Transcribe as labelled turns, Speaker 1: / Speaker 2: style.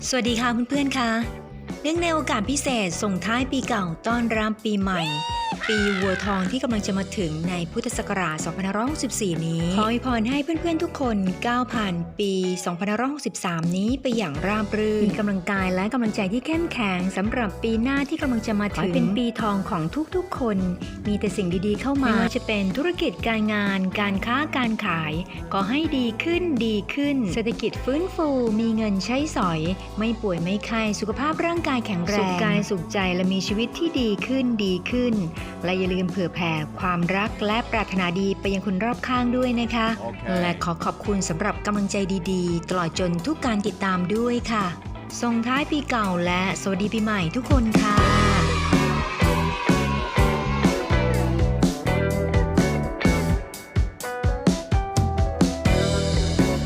Speaker 1: สวัสดีค่ะเพื่อนๆค่ะเนื่องในโอกาสพิเศษส่งท้ายปีเก่าต้อนรับปีใหม่ปีวัวทองที่กำลังจะมาถึงในพุทธศักราช 2564 นี้ขออวยพรให้เพื่อนๆทุกคนก้าวผ่านปี 2563 นี้ไปอย่างราบรื่นมีกำลังกายและกำลังใจที่เข้มแข็งสำหรับปีหน้าที่กำลังจะมาถึงเป็นปีทองของทุกๆคนมีแต่สิ่งดีๆเข้ามาไม่ว่าจะเป็นธุรกิจการงานการค้าการขายก็ให้ดีขึ้นเศรษฐกิจฟื้นฟูมีเงินใช้สอยไม่ป่วยไม่ไข้สุขภาพร่างกายแข็งแรงสุขกายสุขใจและมีชีวิตที่ดีขึ้นและอย่าลืมเผื่อแผ่ความรักและปรารถนาดีไปยังคนรอบข้างด้วยนะคะ และขอขอบคุณสำหรับกำลังใจดีๆตลอดจนทุกการติดตามด้วยค่ะส่งท้ายปีเก่าและสวัสดีปีใหม่ทุกคนค่ะ